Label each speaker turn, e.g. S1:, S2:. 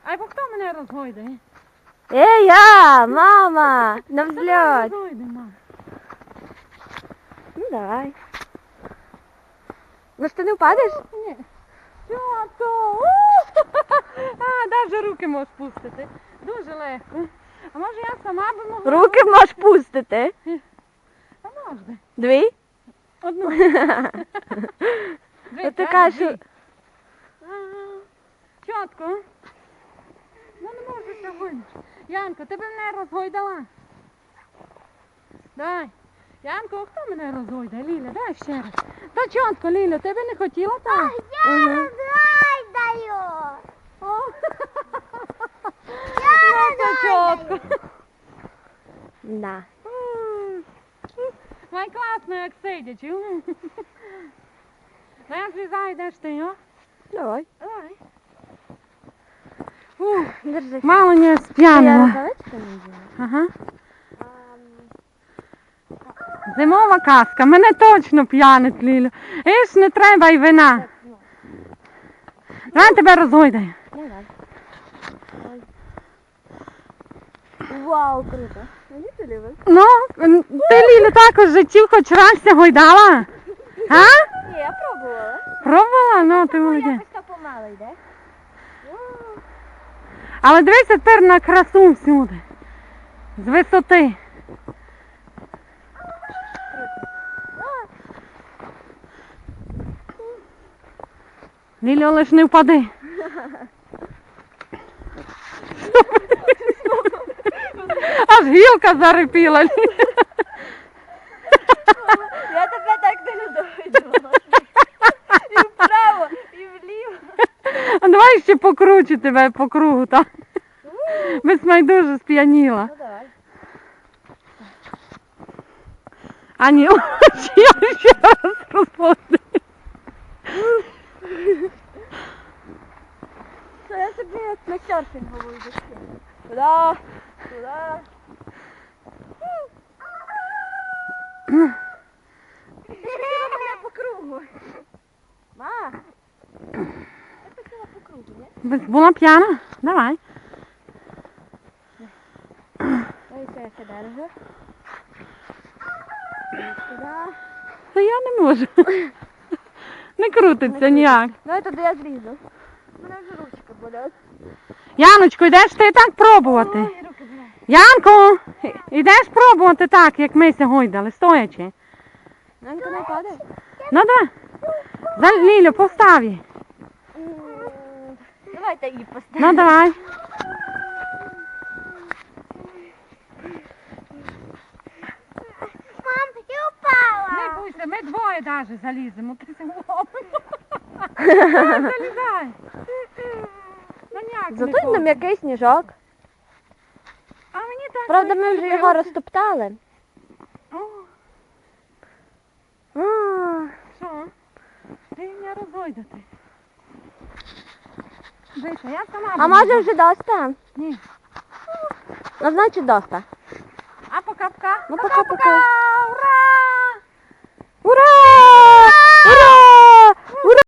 S1: Ай, бо хто мене розгойдає?
S2: Я, мама, на взльот.
S1: Розгойдай, мама.
S2: Ну давай. Ну ж ти не впадеш?
S1: Ні. Чотко! Навіть руки можеш пустити. Дуже легко. А може я сама би могла?
S2: Руки можеш пустити.
S1: А можна.
S2: Дві?
S1: Одну.
S2: Ну ти кажеш,
S1: Чотко. Ну не можу сьогодні. Янко, ти б мене розгойдала. Дай. Янко, хто мене розгойдає? Ліля, дай ще раз. Та чотко, Ліля, ти б не хотіла так?
S3: Я розгойдаю.
S1: Ну, чотко.
S2: да.
S1: Май класно, як сидять. Ну я злізаю, йдеш ти, о?
S2: Давай.
S1: Давай.
S2: Держи.
S1: Мало не
S2: Я
S1: сп'янила.
S2: рукавички не взяла.
S1: Ага. Зимова казка. Мене точно п'янить, Лілю. Іж не треба й вина. Давай тебе розгойдаю.
S2: Давай. Вау, круто. Мені це любиш?
S1: Ну, ти, Лілю, також в житті хоч раз ся гойдала? А?
S2: Ні, я пробувала.
S1: Пробувала? Ну, ти молодець.
S2: Якось так помало йде.
S1: Але дивися тепер на красу всюди. З висоти. Лілю, лиш не впади. Аж гілка зарипіла.
S2: Я тебе так не дойду. І вправо, і вліво.
S1: А давай ще покручу тебе по кругу, так? Без майдуже сп'яніла.
S2: Ну давай.
S1: А ні, я ще раз розповідаю.
S2: Я собі як на серфінгову йду. Туди, туди. Мене по кругу. Ма, я хотіла по кругу, ні?
S1: Була п'яна? Давай.
S2: Ой, це я себе держу. Туди.
S1: Та я не можу. Не крутиться ніяк.
S2: Давай туди я зрізу. Мене вже ручка болять.
S1: Яночко, йдеш ти так пробувати?
S2: Ой, руки болять.
S1: Янко, йдеш пробувати так, як ми сьогодні, стоячи.
S2: Нанька не падає?
S1: Ну да. За Лілю, постав її.
S2: Давайте її поставимо.
S1: Ну давай.
S3: Мам, я упала.
S1: Не бойся, ми двоє навіть заліземо. Ти залізай. Ну ніяк не
S2: Зато й
S1: хоче.
S2: нам який сніжок.
S1: А мені так.
S2: Правда, ми вже його розтоптали.
S1: О,
S2: А,
S1: що? Ти не розгойдати. Дивися, я сама
S2: А
S1: буду.
S2: може вже доста?
S1: Ні.
S2: Ну, значить доста.
S1: А пока-пока.
S2: Ну, пока-пока.
S1: Ура!
S2: Ура!